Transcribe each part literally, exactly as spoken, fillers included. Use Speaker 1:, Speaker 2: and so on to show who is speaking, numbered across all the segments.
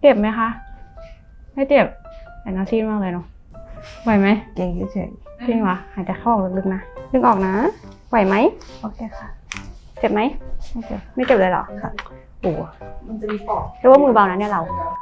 Speaker 1: จ็บไหมคะไม่เจ็บแต่น่าซีดมากเลยเนาะไหวไหม
Speaker 2: เก่งเฉย
Speaker 1: จริงเหรอหายใจเข้าออกลึกๆนะดึงออกนะไหวไหม
Speaker 2: ๆโอเคค่ะ
Speaker 1: เจ็บไหม
Speaker 2: ไม่เจ็บ
Speaker 1: ไม่เจ็บเลยเหรอ
Speaker 2: ค่ะ
Speaker 1: โอ้
Speaker 3: มันจะมีปอก
Speaker 1: เรียกว่ามือเบานะเนี่ยเรา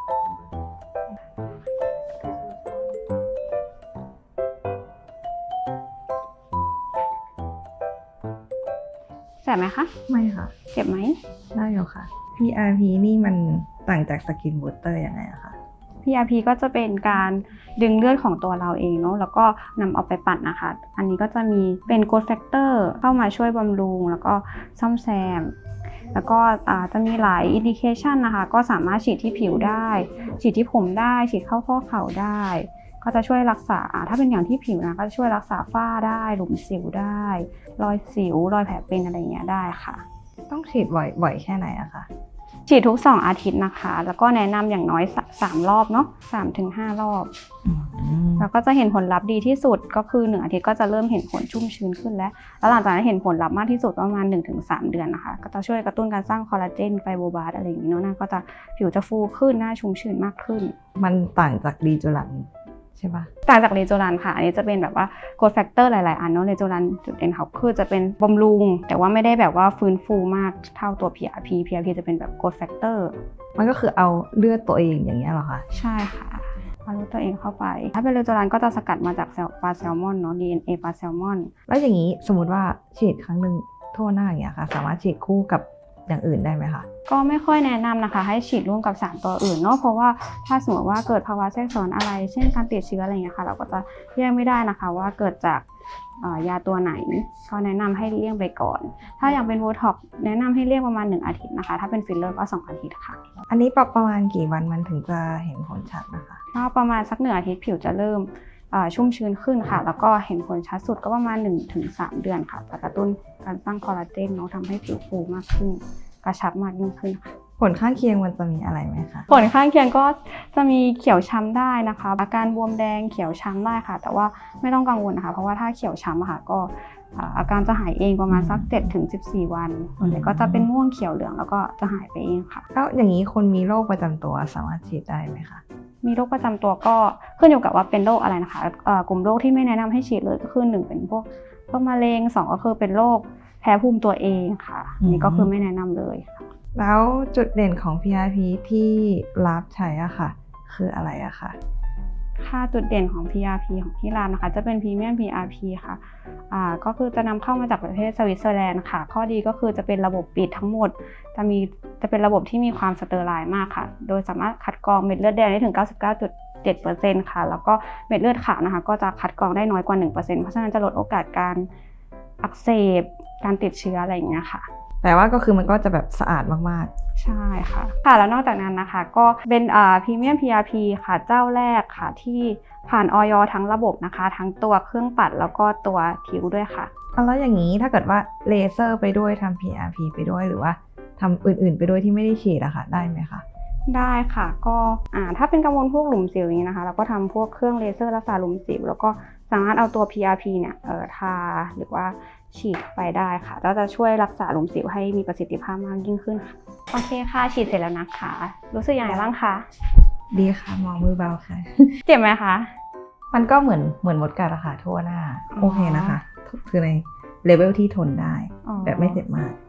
Speaker 1: แสบไหมคะ
Speaker 2: ไม่ค่ะ
Speaker 1: เจ็บไหม
Speaker 2: ได้อยู่ค่ะ พี อาร์ พี นี่มันต่างจากสกินบูสเตอร์ยังไงอะคะ
Speaker 1: พี อาร์ พี ก็จะเป็นการดึงเลือดของตัวเราเองเนาะแล้วก็นำเอาไปปั่นนะคะ อันนี้ก็จะมีเป็น growth factor เข้ามาช่วยบำรุงแล้วก็ซ่อมแซม แล้วก็จะมีหลาย indication นะคะ ก็สามารถฉีดที่ผิวได้ ฉีดที่ผมได้ ฉีดเข้าข้อเข่าได้ ก็จะช่วยรักษาถ้าเป็นอย่างที่ผิวนะก็จะช่วยรักษาฝ้าได้หลุมสิวได้ รอยสิวรอยแผลเป็นอะไรอย่างเงี้ยได้ค่ะ
Speaker 2: ต้องฉีดบ่อยบ่อยแค่ไหนอะคะ
Speaker 1: ฉีดทุกสองอาทิตย์นะคะ แล้วก็แนะนำอย่างน้อยสามรอบเนาะสามถึงห้ารอบ
Speaker 2: อืม
Speaker 1: แล้วก็จะเห็นผลลัพธ์ดีที่สุดก็คือหนึ่งอาทิตย์ก็จะเริ่มเห็นผลชุ่มชื้นขึ้นแล้ว แล้วหลังจากนั้นเห็นผลลัพธ์มากที่สุดประมาณ หนึ่งถึงสาม เดือนนะคะ ก็จะช่วยกระตุ้นการสร้างคอลลาเจนไฟโบบลาสต์อะไรอย่างนี้เนาะหน้าก็จะผิวจะฟูขึ้นหน้าชุ่มชื้นมากขึ้น
Speaker 2: มันต่างจากดีจูรันใช่ปะ
Speaker 1: ต่างจากเรโจรันค่ะอันนี้จะเป็นแบบว่าโกรทแฟกเตอร์หลายๆอันเนาะเรโจรันจุดเด่นเขาคือจะเป็นบำรุงแต่ว่าไม่ได้แบบว่าฟื้นฟูมากเท่าตัว พี อาร์ พี พี อาร์ พี จะเป็นแบบโกรทแฟกเตอร์
Speaker 2: มันก็คือเอาเลือดตัวเองอย่างเงี้ยเหรอคะ
Speaker 1: ใช่ค่ะเอารู้ตัวเองเข้าไป ถ้าเป็นเรโจรันก็จะสกัดมาจากปลาแซลมอนเนาะ ดี เอ็น เอ ปลาแซลมอน
Speaker 2: แล้วอย่างนี้สมมติว่าฉีดครั้งหนึ่งทั่วหน้าอย่างเงี้ยค่ะ สามารถฉีดคู่กับอย่างอื่นได้ไหมคะ
Speaker 1: ก็ไม่ค่อยแนะนำนะคะให้ฉีดร่วมกับสารตัวอื่นเนาะเพราะว่าถ้าสมมติว่าเกิดภาวะแทรกซ้อนอะไร เช่นการติดเชื้ออะไรอย่างเงี้ยค่ะเราก็จะแยกไม่ได้นะคะว่าเกิดจากยาตัวไหนก็แนะนำให้เลี่ยงไปก่อน ถ้าอย่างเป็นโบท็อกซ์แนะนำให้เลี่ยงประมาณหนึ่งอาทิตย์นะคะถ้าเป็นฟิลเลอร์ก็สองอาทิตย์ค่ะ
Speaker 2: อันนี้ประมาณกี่วันมันถึงจะเห็นผลชัดนะคะ
Speaker 1: ก็ประมาณสักหนึ่งอาทิตย์ผิวจะเริ่มชุ่มชื้นขึ้นค่ะแล้วก็เห็นผลชัดสุดก็ประมาณ หนึ่งถึงสาม เดือนค่ะจะกระตุ้นการสร้างคอลลาเจนเนาะทำให้ผิวฟูมากขึ้นกระชับมากยิ่งขึ้นค่ะ
Speaker 2: ผลข้างเคียงมันจะมีอะไรไหมคะ
Speaker 1: ผลข้างเคียงก็จะมีเขียวช้ำได้นะคะอาการบวมแดงเขียวช้ำได้ค่ะแต่ว่าไม่ต้องกังวลนะคะเพราะว่าถ้าเขียวช้ำอะค่ะก็อาการจะหายเองประมาณสัก เจ็ดถึงสิบสี่ วันส่วนใหญ่ก็จะเป็นม่วงเขียวเหลืองแล้วก็จะหายไปเองค่ะ
Speaker 2: แล้วอย่างนี้คนมีโรคประจำตัวสามารถฉีดได้ไหมคะ
Speaker 1: มีโรคประจำตัวก็ขึ้นอยู่กับว่าเป็นโรคอะไรนะคะกลุ่มโรคที่ไม่แนะนำให้ฉีดเลยก็คือหนึ่งเป็นพวกพวกมะเร็งสองก็คือเป็นโรคแพ้ภูมิตัวเองค่ะนี่ก็คือไม่แนะนำเลยค่ะ
Speaker 2: แล้วจุดเด่นของ พี อาร์ พี ที่รับใช้อะค่ะ คืออะไรอะคะ
Speaker 1: ค่าจุดเด่นของ พี อาร์ พี ของที่ร้านนะคะจะเป็นพรีเมียม พี อาร์ พี ค่ะอ่าก็คือจะนำเข้ามาจากประเทศสวิตเซอร์แลนด์ค่ะข้อดีก็คือจะเป็นระบบปิดทั้งหมดจะมีจะเป็นระบบที่มีความสเตอร์ไลน์มากค่ะโดยสามารถคัดกรองเม็ดเลือดแดงได้ถึง เก้าสิบเก้าจุดเจ็ดเปอร์เซ็นต์ ค่ะแล้วก็เม็ดเลือดขาวนะคะก็จะคัดกรองได้น้อยกว่า หนึ่งเปอร์เซ็นต์ เพราะฉะนั้นจะลดโอกาสการอักเสบการติดเชื้ออะไรอย่างเงี้ยค่ะ
Speaker 2: แต่ว่าก็คือมันก็จะแบบสะอาดมากๆ
Speaker 1: ใช่ค่ะค่ะแล้วนอกจากนั้นนะคะก็เป็นอ่าพรีเมียม พี อาร์ พี ค่ะเจ้าแรกค่ะที่ผ่านออยทั้งระบบนะคะทั้งตัวเครื่องปัดแล้วก็ตัวผิวด้วยค่ะ
Speaker 2: แล้วอย่างนี้ถ้าเกิดว่าเลเซอร์ไปด้วยทำ พี อาร์ พี ไปด้วยหรือว่าทำอื่นๆไปด้วยที่ไม่ได้ฉีดอะค่ะได้ไหมคะ
Speaker 1: ได้ค่ะก็อ่าถ้าเป็นกังวลพวกหลุมสิวอย่างนี้นะคะเราก็ทำพวกเครื่องเลเซอร์รักษาหลุมสิวแล้วก็สามารถเอาตัว พี อาร์ พี เนี่ยเอ่อทาหรือว่าฉีดไปได้ค่ะก็จะช่วยรักษาหลุมสิวให้มีประสิทธิภาพมากยิ่งขึ้นค่ะโอเคค่ะฉีดเสร็จแล้วนะคะรู้สึกยังไงบ้างคะ
Speaker 2: ดีค่ะมองมือเบาค่ะ
Speaker 1: เจ็บไหมคะ
Speaker 2: มันก็เหมือนเหมือนมดกัดอะค่ะทั่วหน้าโอเคนะคะคือในเลเวลที่ทนได้แบบไม่เจ็บมาก